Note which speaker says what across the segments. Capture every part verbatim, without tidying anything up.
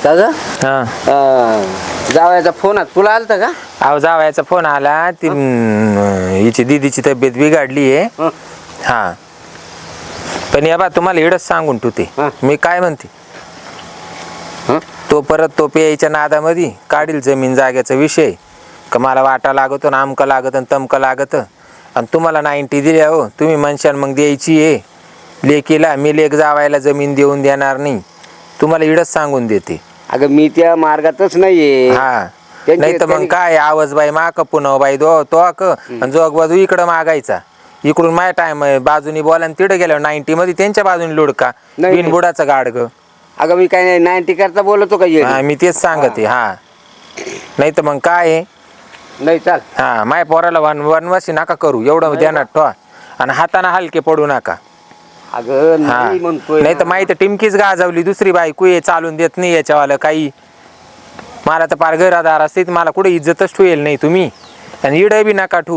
Speaker 1: दादा
Speaker 2: हा
Speaker 1: जावयाचा फोन तुला आलता का?
Speaker 2: अहो जावयाचा फोन आला ती हिची दीदीची तब्येत बिघडली आहे. हा पण या बा तुम्हाला एवढंच सांगून ठेवते मी काय म्हणते तो परत तो प्यायच्या नादामध्ये काढील जमीन जाग्याचा विषय का मला वाटा लागतो ना आमका लागत आणि तमका लागत आणि तुम्हाला नाईन्टी दिल्या हो तुम्ही म्हणशाल मग द्यायची आहे लेकीला मी लेक जावायला जमीन देऊन देणार नाही तुम्हाला इडच सांगून देते.
Speaker 1: अगं मी त्या मार्गातच नाहीये.
Speaker 2: हा नाही तर मग काय आवाज बाई माक पुन्हा बाई दो तो अक आणि जोग बाजू इकडं मागायचा इकडून माय टाइम बाजूनी बोला आणि तिकडे गेल्यावर नाईन्टी मध्ये त्यांच्या बाजूनी लुडका बिनबुडाचं गाडग.
Speaker 1: अगं मी काय नाही नाईन्टी करता बोलतो का?
Speaker 2: हा मी तेच सांगते. हा नाही तर मग काय
Speaker 1: नाही चाल.
Speaker 2: हा माय पोराला वन वनवासी नका करू एवढं ध्यानात ठेवा आणि हाताने हलके पडू नका.
Speaker 1: अगं नाही म्हणतोय
Speaker 2: नाही तर माहिती टिमकीच गाजवली दुसरी बायको ये चालून देत नाही याच्यावाला काही मला तर पार घरादार असते मला कुठे इज्जतच ठेवेल नाही तुम्ही आणि इड बी नका ठू.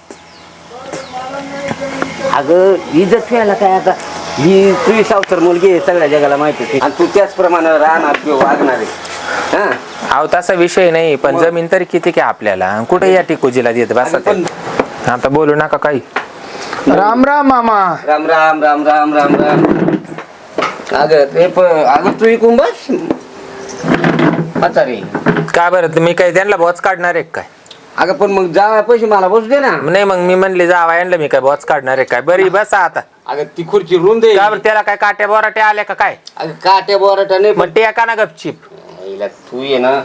Speaker 1: अगं इज्जत ठेवायला काय आता ही तुझी सावतर मुलगी आहे सगळ्या जगाला माहिती आहे आणि तू त्याचप्रमाणे राहणार किंवा वागणार आहे. हा
Speaker 2: अहो तसा विषय नाही पण जमीन तरी किती काय आपल्याला कुठे या टिकोजीला देत बस आता बोलू नका काही.
Speaker 3: राम राम मामा.
Speaker 1: राम राम राम राम राम राम. अगं ते अगं तू इकून बस आता रे
Speaker 2: का बरं मी काही त्यांना बॉच काढणार आहे काय?
Speaker 1: अगं पण मग जा पैसे मला बसू दे ना.
Speaker 2: नाही मग मी म्हणले जावा यांना मी काय बॉच काढणार आहे काय? बरी बसा आता.
Speaker 1: अगं ती खुर्ची रूम दे.
Speaker 2: का बरं त्याला काय काट्या बोराट्या आल्या का काय?
Speaker 1: अगं काट्या बोराट्या नाही
Speaker 2: मग ते एका ना गपचिप
Speaker 1: तू ये ना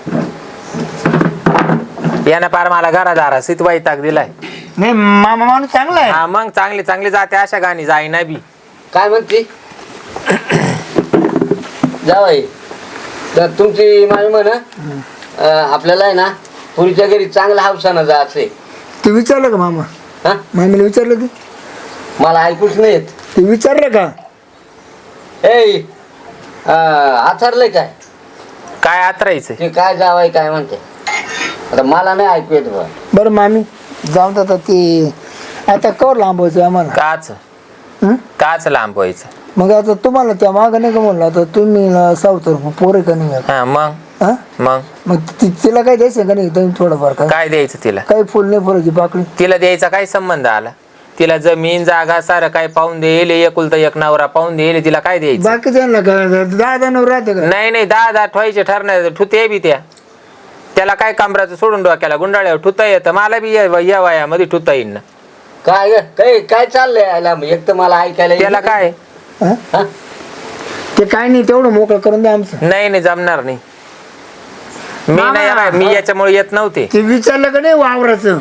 Speaker 2: यानं पार मला घरादारा सित वैताग दिलाय.
Speaker 3: नाही मामा माणूस चांगला आहे.
Speaker 2: हा मग चांगली चांगली जाते अशा गाणी जाईना बी.
Speaker 1: काय म्हणते जावाई तर तुमची माझी म्हण आपल्याला आहे ना पुरीच्या घरी चांगला हावसानं जायचंय.
Speaker 3: ते विचारलं का मामा?
Speaker 1: हा
Speaker 3: मामीला विचारलं ते
Speaker 1: मला ऐकूच नाही येत.
Speaker 3: ते विचारलं का?
Speaker 1: ए आथरलंय काय
Speaker 2: काय आतरायचं
Speaker 1: ते काय जावाई काय म्हणते आता मला नाही ऐकू येत बा.
Speaker 3: बरं मामी जाऊन आता ते आता कवर लांबवायचं आम्हाला
Speaker 2: काच
Speaker 3: हं?
Speaker 2: काच लांब व्हायचं.
Speaker 3: मग आता तुम्हाला त्या मागं नाही का म्हणलं आता तुम्ही सावतर पोरे का नाही
Speaker 2: हा मग
Speaker 3: हा
Speaker 2: मग
Speaker 3: मग ति- तिला काय द्यायचं का नाही तुम्ही थोडंफार काय
Speaker 2: काय द्यायचं तिला?
Speaker 3: काही फुल नाही फुलाची पाकळी
Speaker 2: तिला द्यायचा काय संबंध आला? तिला जमीन जागा सारं काय पाहून देईल एकुलता एक नवरा पाहून देईल तिला काय द्यायचं?
Speaker 3: बाकी त्यांना का दहा जण राहते का?
Speaker 2: नाही नाही दहा दहा ठेवायचे ठरणार ठुते बी त्या त्याला काय कमराचं सोडून डोक्याला गुंडाळ्यावर ठुता येतं मला बी या या वयामध्ये ठुता येईन ना.
Speaker 1: काय ग? काय काय चाललंय याला एक तर मला ऐकायला येत
Speaker 2: त्याला काय
Speaker 3: हा?
Speaker 1: हा?
Speaker 3: ते काय नाही तेवढं मोकळं करून द्या आमचं.
Speaker 2: नाही नाही जमणार नाही. मी
Speaker 3: मामा,
Speaker 2: नाही मी याच्यामुळे येत नव्हते.
Speaker 3: ते विचारलं का नाही वावराचं?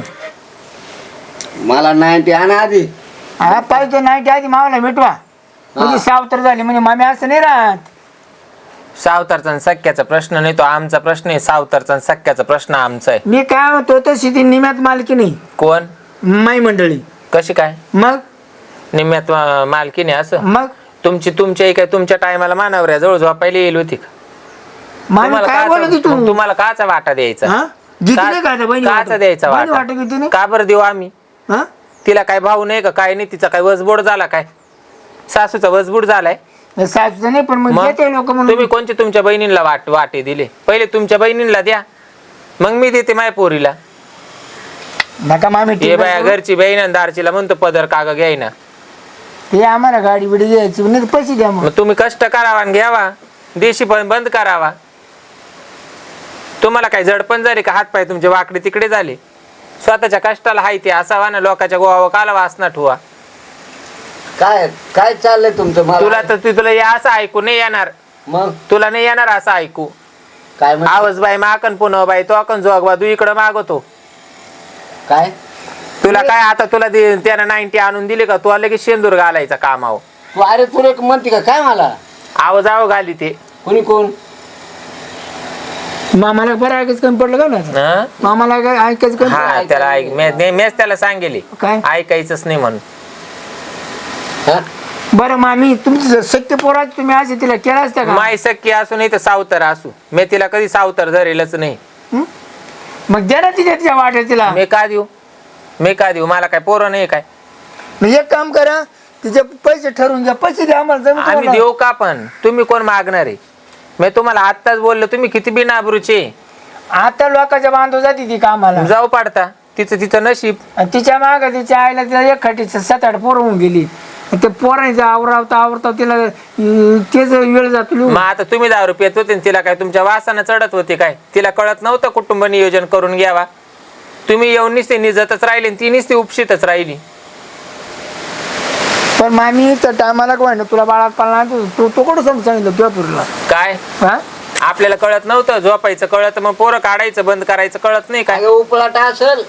Speaker 1: मला नाईन्टी आणा आधी.
Speaker 3: हा पाहिजे नाही आधी मावाला मिटवा म्हणजे सावतर झाली म्हणजे मामी असं नाही राहत.
Speaker 2: सावतारचा आणि सख्याचा प्रश्न नाही तो आमचा प्रश्न आहे. सावतारचा आणि सख्याचा प्रश्न आमचा आहे.
Speaker 3: मी काय होतो तर शेती निम्यात मालकी नाही
Speaker 2: कोण
Speaker 3: माई मंडळी.
Speaker 2: कशी काय
Speaker 3: मग
Speaker 2: निम्म्यात अं, मालकीने असं
Speaker 3: मग
Speaker 2: तुमची तुमच्या काय तुमच्या टायमाला मानावर जवळ झोपायला येईल होती का?
Speaker 3: मामी
Speaker 2: तुम्हाला
Speaker 3: काय बोलत
Speaker 2: काचा-
Speaker 3: तू?
Speaker 2: मग तुम्हाला काचा वाटा द्यायचा?
Speaker 3: हा? जिती नाही का आता बहिणी
Speaker 2: काचा
Speaker 3: वाटत?
Speaker 2: द्यायचा
Speaker 3: बहिणी
Speaker 2: वाटा?
Speaker 3: वाटत किती नाही?
Speaker 2: का बरं देऊ आम्ही?
Speaker 3: हा?
Speaker 2: तिला काय भाऊ नाही का काय नाही तिचा काय वसबोड झाला काय? सासूचा वसबोड झालाय?
Speaker 3: सासूचं नाही पण मग
Speaker 2: मग
Speaker 3: देते लोक म्हणून.
Speaker 2: तुम्ही कोणते तुमच्या बहिणीला वाट वाटे दिले? पहिले तुमच्या बहिणीला द्या मग मी देते माय पोरीला.
Speaker 3: नका मामी
Speaker 2: हे
Speaker 3: ठीक
Speaker 2: बाया
Speaker 3: आहे.
Speaker 2: घरची बहीण आणि दारचीला म्हणतो पदर काग घ्यायना.
Speaker 3: हे आम्हाला गाडी बिडी घ्यायची नाही तर पैसे द्या मग.
Speaker 2: मग तुम्ही कष्ट करावा आणि घ्यावा देशी पण बंद करावा. तुम्हाला काय जडपण झाली का? हातपाय तुमचे वाकडे तिकडे झाले? स्वतःच्या कष्टाला हाय ते असावा ना लोकांच्या गोवा काला वासना ठुवा.
Speaker 1: काय काय चाललंय तुमचं मला?
Speaker 2: तुला तर ती- तुला या असं ऐकू नाही येणार.
Speaker 1: मग
Speaker 2: तुला नाही येणार असं ऐकू.
Speaker 1: काय म्हण-
Speaker 2: आवाज बाई माकन पुन्हा बाई तो अकन जोगवा तू इकडं मागवतो.
Speaker 1: काय
Speaker 2: तुला काय आता तुला दे- त्यानं नाईन्टी आणून दिली का? तू लगेच शेंदूर घालायचा कामाव.
Speaker 1: तू अरे तू एक म्हणते का काय मला?
Speaker 2: आवाज आव घाली ते
Speaker 1: कोणी कोण?
Speaker 3: मामाला बरं ऐकायचं कमी पडलं का ना?
Speaker 2: हं?
Speaker 3: मामाला काय ऐकायचं कमी
Speaker 2: हा
Speaker 3: पडलं?
Speaker 2: त्याला ऐक मे- ने- मेच त्याला सांगेली
Speaker 3: काय?
Speaker 2: ऐकायचंच नाही म्हणून.
Speaker 1: हा?
Speaker 3: बरं मामी तुमचं सत्य पोराच तुम्ही असे तिला केला असता का?
Speaker 2: माय सख्खी असू नाही तर सावतर असू मी तिला कधी सावतर धरेलच नाही.
Speaker 3: हं? मग द्या ना तिच्या तिच्या वाट्या तिला.
Speaker 2: मी का देऊ मी का देऊ मला काय पोरं नाही काय?
Speaker 3: मग एक काम करा तिचे पैसे ठरवून घ्या पैसे द्या आम्हाला जमीन
Speaker 2: आम्ही
Speaker 3: तुम्हाला.
Speaker 2: देऊ का? पण तुम्ही कोण मागणार आहे? मी तुम्हाला आत्ताच बोललो, तुम्ही किती बिनाबरूचे.
Speaker 3: आता लोकांच्या बांधव जाते ती कामाला
Speaker 2: जाऊ पाडता, तिचं तिचं नशीब.
Speaker 3: आणि तिच्या माग तिच्या आईला तिला एक खटीचं सात आठ पोरं होऊन गेली. आणि ते पोरांचं आवरावता आवरता तिला अं, तेच वेळ जातो लिहून.
Speaker 2: मग आता तुम्ही दारू पित होते आणि तिला काय तुमच्या वासानं चढत होते काय? तिला कळत नव्हतं कुटुंब नियोजन करून घ्यावा? तुम्ही येऊन निसते निजतच राहिली आणि ती निसते उपशीतच राहिली.
Speaker 3: पण मामी तर टायमाला काय ना तुला बाळात पाळला तू तू कुठं समजून सांगितलं तुझ्या पुरीला?
Speaker 2: काय
Speaker 3: हा
Speaker 2: आपल्याला कळत नव्हतं? झोपायचं कळत, मग पोरं काढायचं बंद करायचं कळत नाही काय?
Speaker 1: अगं उपलाटा असेल.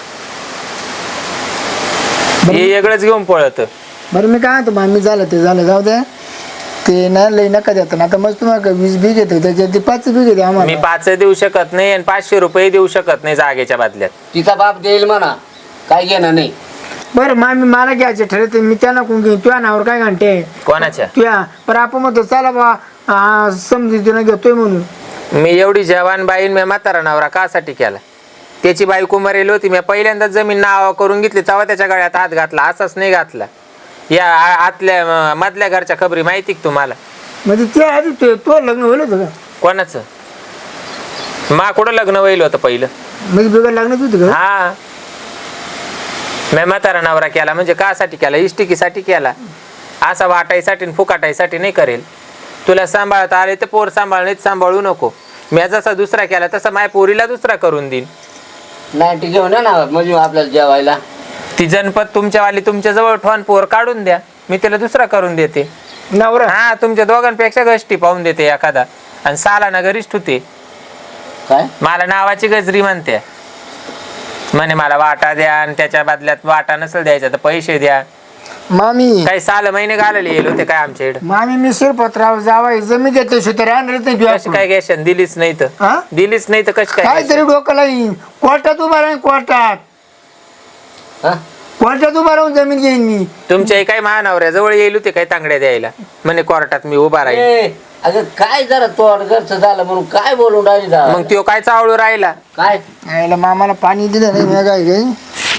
Speaker 2: हे वेगळंच घेऊन पळत.
Speaker 3: बरं मी काय म्हणतो मामी झालं ते झालं जाऊ दे. ते ना लई नका देत ना. आता मग तुम्हाला वीस बी घेतो त्याच्यात ते पाच बी घेते
Speaker 2: मी
Speaker 3: आम्हाला.
Speaker 2: पाच देऊ शकत नाही आणि पाचशे रुपये देऊ शकत नाही जागेच्या बदल्यात.
Speaker 1: तिचा बाप देईल म्हणा, काय घेणं नाही.
Speaker 3: बरं मामी मला घ्यायचे ठरवते मी त्यांना कोण घेईन तुझ्या नावावर काय घंटे
Speaker 2: कोणाच्या?
Speaker 3: तुझ्या पण आपण म्हणतो चला बा समजुतीनं घेतोय म्हणून.
Speaker 2: मी एवढी जवान बाईन मी म्हातारा नवरा कासाठी केला? त्याची बायको मरेल होती, मी पहिल्यांदा जमीन नाव करून घेतली तेव्हा त्याच्या गळ्यात हात घातला, असाच नाही घातला. या आ- आतल्या म- मधल्या घरच्या खबरी माहिती का तुम्हाला?
Speaker 3: म्हणजे ते आधी तो तो लग्न होईल होतं का?
Speaker 2: कोणाचं? मा कुठं लग्न व्हायला होतं पहिलं?
Speaker 3: म्हणजे बिघड लग्नच होतं का?
Speaker 2: हा, मी म्हातारा नवरा केला म्हणजे कासाठी केला? इष्टिकीसाठी केला. असा वाटायसाठी आणि फुकाटायसाठी नाही करेल. तुला सांभाळता आले तर पोर सांभाळणे सांभाळू नको. मी जसा दुसरा केला तसा माझ्या पोरीला दुसरा करून देईन.
Speaker 1: नाईटी घेऊन ये ना म्हणजे आपल्याला जेवायला.
Speaker 2: ती जनपद तुमच्यावाली तुमच्या जवळ ठेवून पोर काढून द्या, मी तिला दुसरा करून देते.
Speaker 3: नवरा
Speaker 2: हा, तुमच्या दोघांपेक्षा गष्टी पाहून देते एखादा आणि साला ना घरीच ठुते.
Speaker 1: काय
Speaker 2: मला नावाची गजरी म्हणते, म्हणे मला वाटा द्या आणि त्याच्या बदल्यात वाटा नसेल द्यायचा तर पैसे द्या.
Speaker 3: मामी
Speaker 2: काही साल महिने घालायला येईल होते काय आमच्या इकडे?
Speaker 3: मामी मी शिरपत्राव जावा जमीन देते तर राहणारच नाही तुझ्या
Speaker 2: कशी काय घेशन? दिलीच नाही तर
Speaker 3: हा?
Speaker 2: दिलीच नाही तर कशी काय
Speaker 3: काय
Speaker 2: घेशील?
Speaker 3: तरी डोक्याला येईन कोर्टात उभा राहीन कोर्टात
Speaker 1: हा?
Speaker 3: कोर्टात उभा राहून जमीन घेईन मी.
Speaker 2: तुमच्याही काही महानवऱ्या जवळ येईल होते काय तांगड्या द्यायला? म्हणे कोर्टात मी उभा राहील.
Speaker 1: ए, अगं काय जरा तोड घरचं झालं म्हणून काय बोलून राहिली जा?
Speaker 2: मग त्यो काय चावळू राहिला?
Speaker 1: काय
Speaker 3: यायला मामाला पाणी दिलं नाही मी काय काही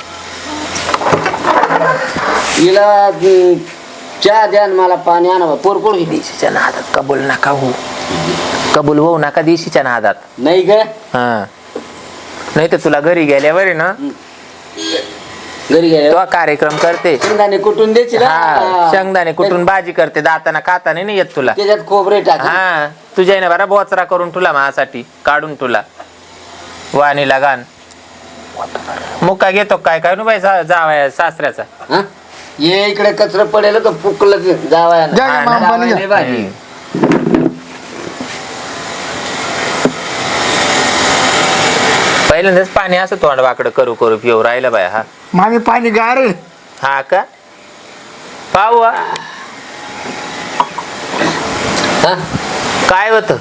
Speaker 1: तिला अं, चहा द्या आणि मला पाणी आणा पोरकोड घेतली.
Speaker 2: देशीच्या नादात कबूल नका होऊ, कबूल होऊ नका देशीच्या नादात.
Speaker 1: नाही ग
Speaker 2: हा, नाही तर तुला घरी गेल्यावर आहे ना
Speaker 1: घरी गेलो
Speaker 2: तो कार्यक्रम करते.
Speaker 1: शेंगदाणे कुठून द्यायची ना?
Speaker 2: हा, शेंगदाणे कुठून भाजी करते, दाताना खाताना नाही येत तुला.
Speaker 1: त्याच्यात खोबरे टाक.
Speaker 2: हा, तुझ्या ना बरा बोचरा करून तुला माझ्यासाठी काढून तुला वाणीला गाण मुक्का घेतो काय काय नु बाई सा- जावया सासऱ्याचा.
Speaker 1: हा? ये इकडे कचरा पडेल तर फुकलं जावाय
Speaker 3: जा गे मामा पाणी द्या.
Speaker 2: पहिल्यांदाच पाणी असं तोंड वाकडं करू करू पिऊ राहिलं बाय. हा
Speaker 3: मामी पाणी गार आहे.
Speaker 2: हा का पाहू हा.
Speaker 1: हा?
Speaker 2: काय होत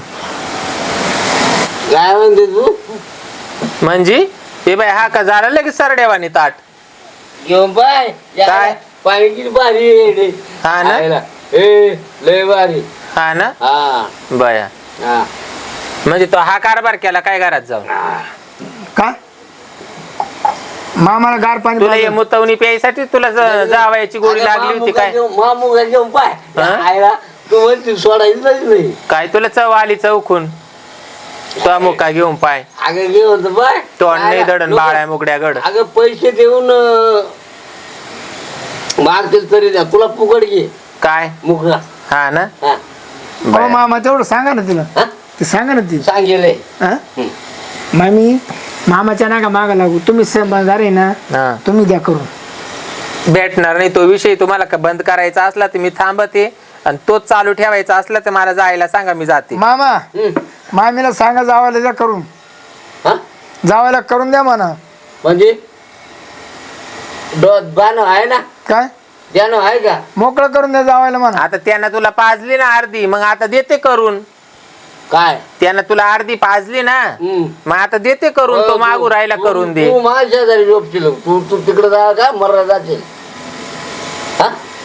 Speaker 1: काय म्हणते तू?
Speaker 2: म्हणजे ते बाय हा का झालं लगेच सरडेवानी ताट.
Speaker 1: घेऊन पाय
Speaker 2: काय?
Speaker 1: पाणी किती भारी आहे रे.
Speaker 2: हा ना?
Speaker 1: खायला. ए लय भारी.
Speaker 2: हा ना
Speaker 1: हा
Speaker 2: बया.
Speaker 1: हा
Speaker 2: म्हणजे तो हा कारभार केला काय घरात जाऊन?
Speaker 3: काय मामाला गार पाणी
Speaker 2: तुला हे
Speaker 3: पाहिजे.
Speaker 2: मुतवणी प्यायसाठी तुला ज- जावयाची गोळी लागली होती काय?
Speaker 1: मामुगा घेऊन पाय
Speaker 2: हा?
Speaker 1: खायला तू म्हणते सोडायची नाही.
Speaker 2: काय तुला चव आली चौकून? तो मुका घेऊन पाय
Speaker 1: अगं घेऊन तर पाय
Speaker 2: तोंड नाही दडण बाळ्या मुगड्या गड.
Speaker 1: अगं पैसे देऊन अं, मागतील तरी द्या तुला फुकट घे
Speaker 2: काय
Speaker 1: मुगा.
Speaker 2: हा ना
Speaker 1: हा
Speaker 3: हो
Speaker 2: बया.
Speaker 3: मामा तेवढं सांगा ना तिला
Speaker 1: हा?
Speaker 3: ते सांगा ना ती
Speaker 1: सांगेले.
Speaker 3: हा?
Speaker 1: हं.
Speaker 3: मामी मामाच्या नाका मागा लागू तुम्ही समजदार आहे ना
Speaker 2: हा.
Speaker 3: तुम्ही द्या करून.
Speaker 2: भेटणार नाही तो विषय. तुम्हाला का बंद करायचा असला तर मी थांबते आणि तोच चालू ठेवायचा असला तर मला जायला सांगा, मी जाते.
Speaker 3: मामा
Speaker 1: हं.
Speaker 3: मामीला सांगा जावायला द्या करून.
Speaker 1: हा?
Speaker 3: जावायला करून द्या म्हणा.
Speaker 1: म्हणजे डोत बाण आहे ना?
Speaker 3: काय
Speaker 1: द्यानं आहे का?
Speaker 3: मोकळं करून द्या जावायला म्हणा.
Speaker 2: आता त्यानं तुला पाजली ना अर्धी, मग आता देते करून.
Speaker 1: काय?
Speaker 2: त्यानं तुला अर्धी पाजली ना,
Speaker 1: हं.
Speaker 2: मग आता देते करून. तो मागू राहिला
Speaker 1: तू-
Speaker 2: करून दे.
Speaker 1: तू माझ्या शेजारी झोपशील. तू तू तिकडे जा का मर्रा जाशील. हा?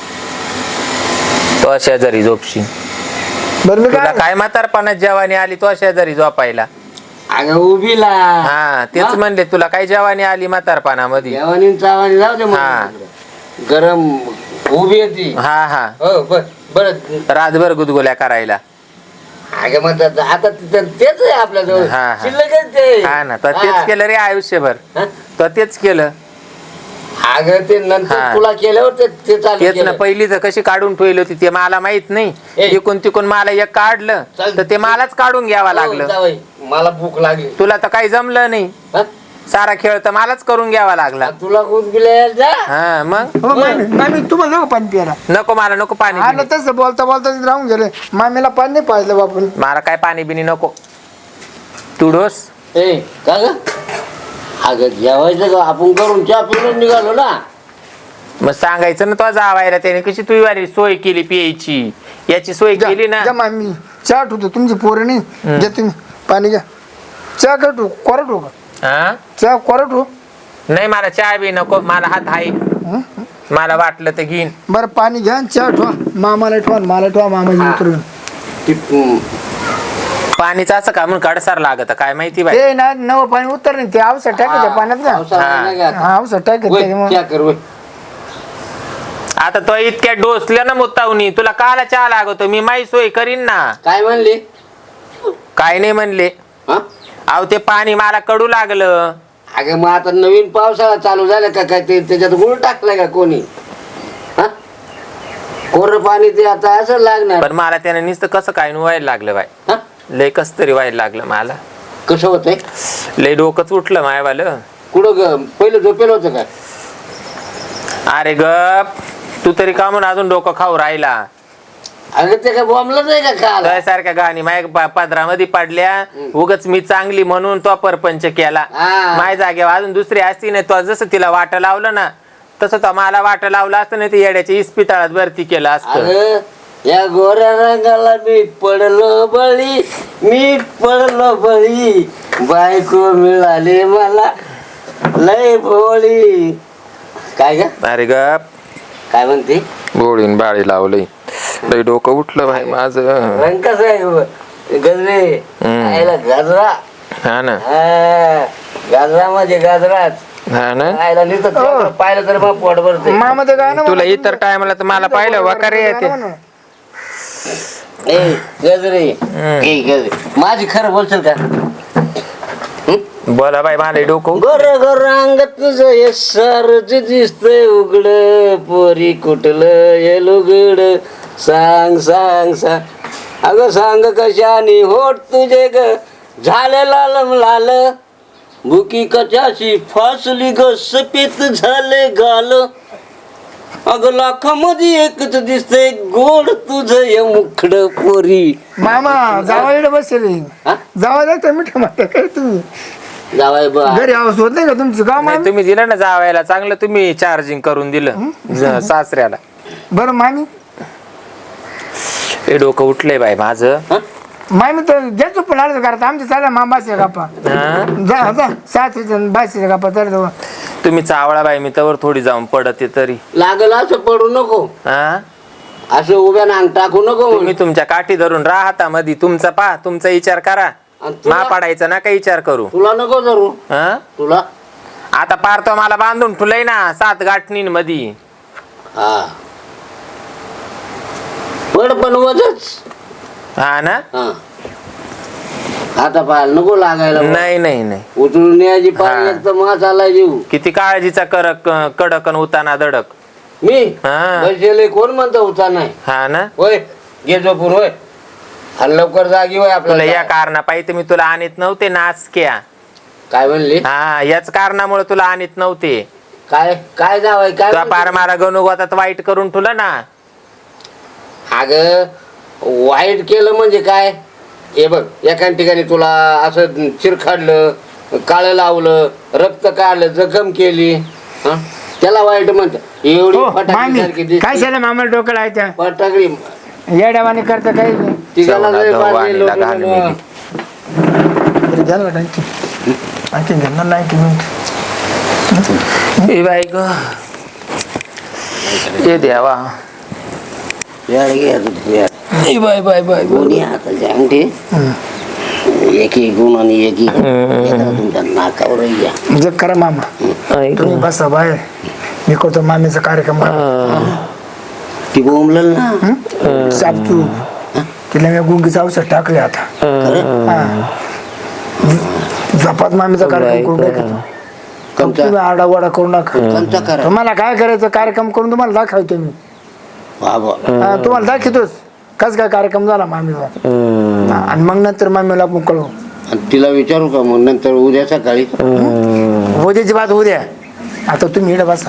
Speaker 2: तो शेजारी झोपशी.
Speaker 3: बरं मी
Speaker 2: तुला
Speaker 3: काय
Speaker 2: काय म्हातारपणात जवानी आली तो शेजारी झोपायला?
Speaker 1: अगं उभीला
Speaker 2: हा तेच
Speaker 1: हा?
Speaker 2: म्हणले तुला काय जवानी आली म्हातारपणामध्ये?
Speaker 1: जेवणी चावानी जाऊ दे
Speaker 2: हा.
Speaker 1: मग. गरम उभी येते.
Speaker 2: हा हा
Speaker 1: हो बर बर
Speaker 2: रातभर गुदगुल्या करायला.
Speaker 1: अगं मग आता आता तिथं तेच आहे आपल्याजवळ
Speaker 2: हा, हा.
Speaker 1: शिल्लकच ते
Speaker 2: हा ना तर तेच
Speaker 1: हा.
Speaker 2: केलं रे आयुष्यभर
Speaker 1: हा?
Speaker 2: तर तेच केलं
Speaker 1: अगं ते नंतर
Speaker 2: हा.
Speaker 1: तुला केल्यावर ते ते चालू
Speaker 2: तेच ना
Speaker 1: केलं.
Speaker 2: पहिली तर कशी काढून ठेवली होती ते मला माहित नाही
Speaker 1: ए.
Speaker 2: इकून तिकून मला एक काढलं
Speaker 1: चल.
Speaker 2: तर ते मलाच काढून घ्यावं
Speaker 1: हो,
Speaker 2: लागलं
Speaker 1: जावई, मला भूक लागली
Speaker 2: तुला तर काही जमलं नाही
Speaker 1: हा?
Speaker 2: सारा खेळ तर मलाच करून घ्यावा लागला
Speaker 1: तुला कोण गेले जा
Speaker 2: हा मग
Speaker 3: हो मामी मामी तुम्हाला नको पाणी प्यायला
Speaker 2: नको मला नको पाणी
Speaker 3: आलं
Speaker 2: बिणी.
Speaker 3: तसं बोलता बोलता तिथे राहून गेले मामीला पाणी नाही पाहिलं बापून
Speaker 2: मला काय पाणी बिनी नको तू डोस
Speaker 1: ए का ग अगं जेवायचं का आपण करून चहा पिऊन निघालो ना
Speaker 2: मग सांगायचं ना तो जावायला त्याने कशी तुझी वाली सोय केली प्यायची याची सोय
Speaker 3: जा
Speaker 2: केली ना
Speaker 3: जा मामी चहा ठेवतो तुमची पोरं नाही घ्या तुम्ही पाणी घ्या चहा का ठेवू कोरं ठेवू का
Speaker 2: हा
Speaker 3: चहा कोरं ठेवू
Speaker 2: नाही मला चहा बी नको मला हात आहे मला वाटलं तर घेईन
Speaker 3: बरं पाणी घ्या आणि चहा ठेवा मामाला ठेवा आणि मला ठेवा मामाची उतरून
Speaker 1: ती-
Speaker 2: पाणीच असं का म्हणून कडसार लागत काय माहिती बाई
Speaker 3: ते ना नवं पाणी उतर नाही ते औषध टाकत त्या पाण्यात ना
Speaker 1: पावसाळा नाही का आता?
Speaker 3: हा औषध टाकत
Speaker 1: वय,
Speaker 3: त्याच्यामुळे
Speaker 1: चहा कर वय.
Speaker 2: आता तो इतक्या डोसल्या ना मुत्तावनी तुला काला चहा लागतो मी माही सोय करीन ना
Speaker 1: काय म्हणली
Speaker 2: काय नाही म्हणले
Speaker 1: हा
Speaker 2: अहो ते पाणी मला कडू लागलं
Speaker 1: अगं मग आता नवीन पावसाळा चालू झाला का काय ते त्याच्यात गुळ टाकलाय का कोणी हा कोरं पाणी ते आता असं लागणार
Speaker 2: पण मला त्याने नुसतं कसं काय न व्हायला लागलं बाई
Speaker 1: हा
Speaker 2: लय कस तरी व्हायला लागलं मला
Speaker 1: कसं होतंय
Speaker 2: लय डोकंच उठलं मायवालं
Speaker 1: कुठं ग पहिलं झोपेल होतं का
Speaker 2: अरे गप तू तरी का म्हणून अजून डोकं खाऊ राहिला
Speaker 1: अगं ते काय बॉम्बलंच आहे का काल
Speaker 2: सारख्या गाणी माझ्या पदरामध्ये पडल्या उगच मी चांगली म्हणून तो परपंच केला
Speaker 1: हा.
Speaker 2: माझ्या जागेवर अजून दुसरी असती नाही तो जसं तिला वाट लावलं ना तसं तो मला वाट लावलं असतं नाही ते येड्याच्या इस्पितळात भरती केलं असतं
Speaker 1: अगं या गोऱ्या रंगाला मी पडलो बळी मी पडलो बळी बायको मिळाली मला लय भोळी काय ग
Speaker 2: अरे गप
Speaker 1: काय म्हणते
Speaker 2: गोळीन बाळी लावलंय लय डोकं उठलं भाई माझं
Speaker 1: रंग कसं आहे गजरे
Speaker 2: हम्म.
Speaker 1: आयला गाजरा
Speaker 2: हा ना
Speaker 1: हा, गाजरा म्हणजे गाजराच
Speaker 2: हा ना
Speaker 1: आयला नुसतं तेवढं पाहिलं तर मग पोट भरते
Speaker 3: मामा ते गाणं
Speaker 2: तुला इतर टायमाला तर मला पाहिलं वकारे येते
Speaker 1: ए गजरे ए गजरे माझी खरं बोलशील का
Speaker 2: बोला बाई मला डोकं
Speaker 1: गोर गोर अंग तुझं हे सारच दिसतंय उघड पोरी कुठलं हे लुगड सांग सांग सांग अगं सांग कशानी होट तुझे ग झाले लाल लाल बुकी कशाशी फासली ग सपेत झाले गाल अगं लाखामध्ये एकच दिसतंय गोड तुझं हे मुखड पोरी
Speaker 3: मामा जावायला बसेल
Speaker 1: हा?
Speaker 3: जावा जायचं मिठा माठा काय तुम्ही
Speaker 1: जावाय बा
Speaker 3: घरी आवाज होत नाही का तुमचं गाव
Speaker 2: नाही
Speaker 3: मामी
Speaker 2: तुम्ही दिलं ना जावायला चांगलं तुम्ही चार्जिंग करून दिलं ज- सासऱ्याला
Speaker 3: बरं मामी
Speaker 2: हे डोकं उठलंय बाई माझं
Speaker 1: हा?
Speaker 3: मामी तर जायचो पण आलं करत आमच्या चालला मामाचे गप्पा
Speaker 2: हा?
Speaker 3: जा जा सासरीच्या बायचे गप्पा तर जाऊ.
Speaker 2: तुम्ही चावळा बाई मी तवर थोडी जाऊन पडते तरी
Speaker 1: लागल असं पडू नको
Speaker 2: हा
Speaker 1: असं उभ्या नांग टाकू नको
Speaker 2: तुम्ही तुमच्या काठी धरून राहता मधी तुमचा पा तुमचा विचार करा
Speaker 1: आणि तुला-
Speaker 2: मा पाडायचा ना काही विचार करू
Speaker 1: तुला नको धरू
Speaker 2: हा
Speaker 1: तुला
Speaker 2: आता पार तो मला बांधून ठुलय ना सात गाठणीन मधी
Speaker 1: हा पड पण वजच
Speaker 2: हा ना
Speaker 1: हा आता पाहायला नको लागायला
Speaker 2: नाही नाही नाही
Speaker 1: उचलून यायची
Speaker 2: हा.
Speaker 1: पाहिजे एक तर मा चाललाय जीव
Speaker 2: किती काळजीचा करक कडक अन उताना दडक
Speaker 1: मी
Speaker 2: हा.
Speaker 1: बसले कोण म्हणतो उचा नाही
Speaker 2: हा ना
Speaker 1: होय घे झोपून होय आणि लवकर जागी होय
Speaker 2: तुला
Speaker 1: आपल्याला
Speaker 2: या कारणापायी पाहिजे मी तुला आणत नव्हते नाचक्या
Speaker 1: काय म्हणली
Speaker 2: हा याच कारणामुळे तुला आणत नव्हते
Speaker 1: काय काय जावाय काय
Speaker 2: तुला पार मारा गणुगोतात वाईट करून ठुलं ना
Speaker 1: अग वाईट केलं म्हणजे काय हे बघ एका ठिकाणी तुला असं चिरखाडलं काळं लावलं रक्त काढलं जखम केली हं? त्याला वाईट म्हणत एवढी
Speaker 3: हो,
Speaker 1: फटाकडी
Speaker 3: मामी
Speaker 1: सारखी
Speaker 3: काय
Speaker 1: दिसते.
Speaker 3: झालं मामाला डोकं लायच्या
Speaker 1: फटाकडी
Speaker 3: येड्यावानी करता काही नाही
Speaker 1: तिघाला
Speaker 2: चवना
Speaker 1: जरी
Speaker 2: दवा
Speaker 1: पाडली
Speaker 2: आणि
Speaker 1: लोटून
Speaker 2: लगान
Speaker 1: गेलं.
Speaker 2: मिली.
Speaker 3: बरं झालं वाटतं आणखी आणखी घेणार नाही आणखी मिनिट
Speaker 2: ए बाई ग ए देवा
Speaker 1: यार घे आता तू यार.
Speaker 2: ए बाय बाय बाय
Speaker 1: दोन्ही हाताचे अंगठी एक एक गुण आणि एक एक एका तुमच्या नाकावर घ्या
Speaker 3: म्हणजे करा मामा तुम्ही बसा बाहेर मी करतो मामीचा कार्यक्रम
Speaker 1: ती बोंबल ना
Speaker 3: सापचू तिला मी गुंगीचं औषध टाकले आता हा. झपात मामीचा कार्यक्रम करून टाकतो
Speaker 1: कोणता
Speaker 3: तुम्ही आरडा वाडा करू नका
Speaker 1: कोणता करा
Speaker 3: तुम्हाला काय करायचं कार्यक्रम करून तुम्हाला दाखवतो मी
Speaker 1: बाबा
Speaker 3: हा, तुम्हाला दाखवतोच कस काय कार्यक्रम झाला मामीचा हा, आणि मग नंतर मामीला आपण कळू
Speaker 1: आणि तिला विचारू का मग नंतर उद्या सकाळी
Speaker 3: उद्याची बात उद्या आता तुम्ही इकडे बसा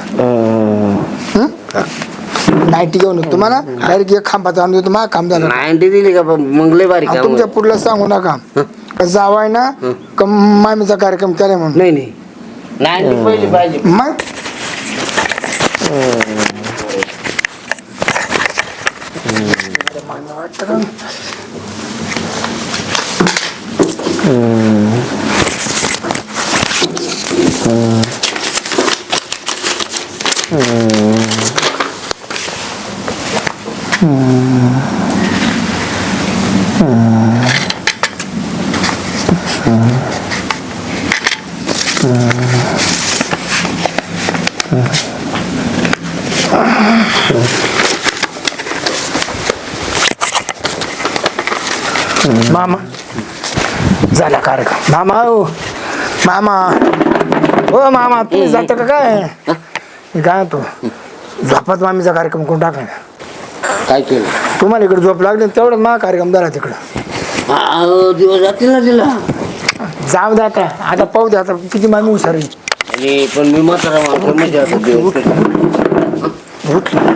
Speaker 3: नाईटी घेऊन येतो. तुम्हाला डायरेक्ट एक खांबाचा आणून देतो माझं काम झालं
Speaker 1: नाईन्टी दिली का मंगले बारीक
Speaker 3: आणि तुमच्या पुढला सांगू नका का जावाय ना का मामीचा कार्यक्रम केलाय म्हणून
Speaker 1: नाही नाही नाईन्टी पहिली पाहिजे
Speaker 3: मग मामा झाला कार्यक्रम मामा हो मामा हो मामा तुम्ही जाता का काय मी काय होतो झोपात मामीचा कार्यक्रम करून टाकला
Speaker 1: काय केलं
Speaker 3: तुम्हाला इकडे झोप लागली तेवढं मा कार्यक्रम झाला तिकडं
Speaker 1: अहो, दिवस जातील ना तिला
Speaker 3: जाऊ दे आता आता पाहू दे आता किती मामी हुशार आहे.
Speaker 1: आणि पण मी म्हातारा माणूस म्हणजे आता दिवस
Speaker 3: उठली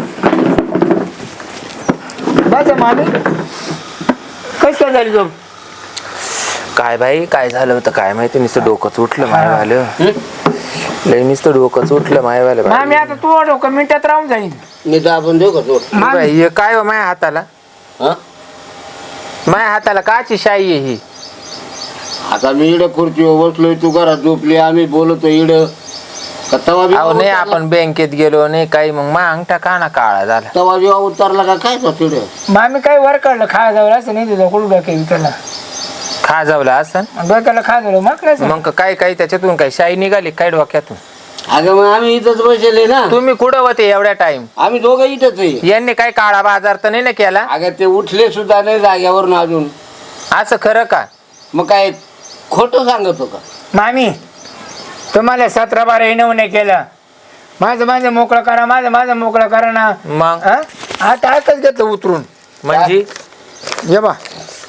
Speaker 3: बस मामी कशी काय झाली झोप
Speaker 2: काय बाई काय झालं होतं काय माहिती नुसतं डोकंच उठलं मायवालं लय नुसतं डोकंच उठलं मायवालं बाई.
Speaker 3: मामी आता तू डोकं मिनिटात राहून जाईल
Speaker 1: मी तर आपण देऊ का तो
Speaker 3: मामी
Speaker 2: बाई, हे काय हो माझ्या हाताला
Speaker 1: हा
Speaker 2: माझ्या हाताला काची शाई आहे ही
Speaker 1: आता मी इकडे खुर्चीवर बसलोय तू घरात झोपली आम्ही बोलतो इकडं का तवा बिवा
Speaker 2: अहो नाही
Speaker 1: उतरला?
Speaker 2: आपण बँकेत गेलो नाही काही मग मा अंगठा काना काळा झाला
Speaker 1: तवा बिवा उतरला का काय तो तिकडे
Speaker 3: मामी काही वर काढलं खा जावं असं नाही तुझं कुठं डोक्या विचारला
Speaker 2: खा जावला असं
Speaker 3: डोक्याला खा जावं मग काय
Speaker 2: मग काय काय त्याच्यातून काय शाई निघाली काय डोक्यातून
Speaker 1: अगं मग आम्ही इथंच बसले ना
Speaker 2: तुम्ही कुठं होते एवढ्या टाइम
Speaker 1: आम्ही दोघं इथंच आहे
Speaker 2: यांनी काय काळा बाजार तर नाही ना केला
Speaker 1: अगं ते उठले सुद्धा नाही जाग्यावरून अजून
Speaker 2: असं खरं का
Speaker 1: मग काय खोटं सांगतो का
Speaker 3: मामी तुम्हाला सतरा बारा येणं नाही केलं माझं माझं मोकळं करा माझं माझं मोकळं करा ना
Speaker 2: मग
Speaker 3: हा? आता आकच घेतलं उतरून
Speaker 2: म्हणजे
Speaker 3: ये बा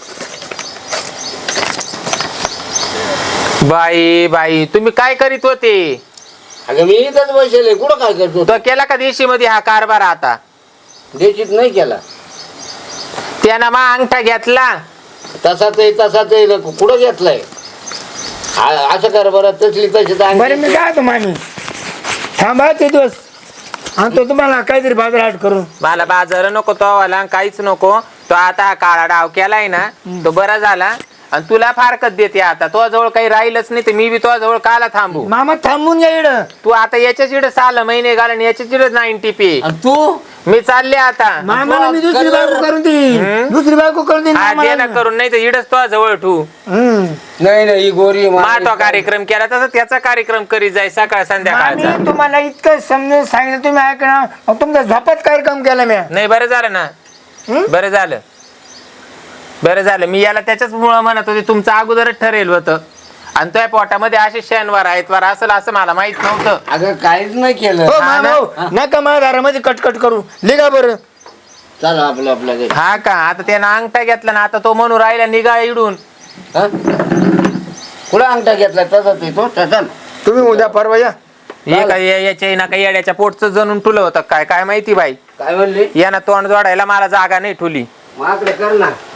Speaker 2: बाई बाई तुम्ही काय करीत होते
Speaker 1: अगं मी इथंच बसले कुठं काय करतो
Speaker 2: तो केला का देशी मध्ये हा कारभार आता
Speaker 1: देशीत नाही केला
Speaker 2: त्यानं मा अंगठा घेतला
Speaker 1: तसाच आहे तसाच आहे कुठं घेतलाय आ- असं कर बरं तसली तशी तर
Speaker 3: बरं मी
Speaker 1: अंगठी-
Speaker 3: काय तो मामी थांबा ते दिवस आणि तो तुम्हाला काहीतरी बाजारहाट करून
Speaker 2: मला बाजार नको तो वाला काहीच नको तो आता हा काळा डाव केलाय ना तो बरा झाला आणि तुला फारकत देते आता तो जवळ काही राहिलच नाही तर मी बी तो जवळ काला थांबू
Speaker 3: मामा थांबून घ्या इकडं
Speaker 2: तू आता याच्याच इकडे साल महिने घाल आणि याच्याच इकडे नाईन्टी पे
Speaker 1: आणि तू
Speaker 2: मी चालले आता
Speaker 3: मामाला मी दुसरी
Speaker 1: कलर-
Speaker 3: बायको करून देईन दुसरी बायको करून देईन
Speaker 2: हा
Speaker 3: मामाला.
Speaker 2: दे ना करून नाही तर इडच तो जवळ ठू
Speaker 3: हम्म.
Speaker 1: नाही नाही ही गोरी आहे,
Speaker 2: मा
Speaker 1: माझी-
Speaker 2: तो कार्यक्रम केला तसा त्याचा कार्यक्रम करीत जाय सकाळ संध्याकाळचा
Speaker 3: मामी तुम्हाला इतकं समजून सांगितलं तुम्ही ऐकणार मग तुमचा झपात कार्यक्रम केला मी
Speaker 2: नाही बरं झालं ना
Speaker 3: हं?
Speaker 2: बरं झालं बरं झालं मी याला त्याच्याच मुळे म्हणत होते तुमचं अगोदरच ठरेल होतं आणि तुझ्या पोटामध्ये असे शनिवार आयतवार असेल असं मला माहित नव्हतं
Speaker 1: अगं काहीच नाही केलं
Speaker 3: हो
Speaker 2: हा
Speaker 3: मामा
Speaker 2: ना?
Speaker 3: हो. नका माझ्या दारामध्ये कटकट करू लिगा बरं
Speaker 1: चला आपलं आपल्या घरी
Speaker 2: हा का आता त्यानं अंगठा घेतला ना आता तो म्हणून राहिला निघा इडून
Speaker 1: हा? कुठं अंगठा घेतला तसाच आहे तो तसा
Speaker 3: तुम्ही उद्या परवा या
Speaker 2: हे काय या- याच्या ना काही येड्याच्या पोटचं जणून ठुलं होतं काय काय माहिती बाई
Speaker 1: काय म्हणली
Speaker 2: यानं तोंड जोडायला मला जागा नाही ठुली
Speaker 1: माकडे कर ना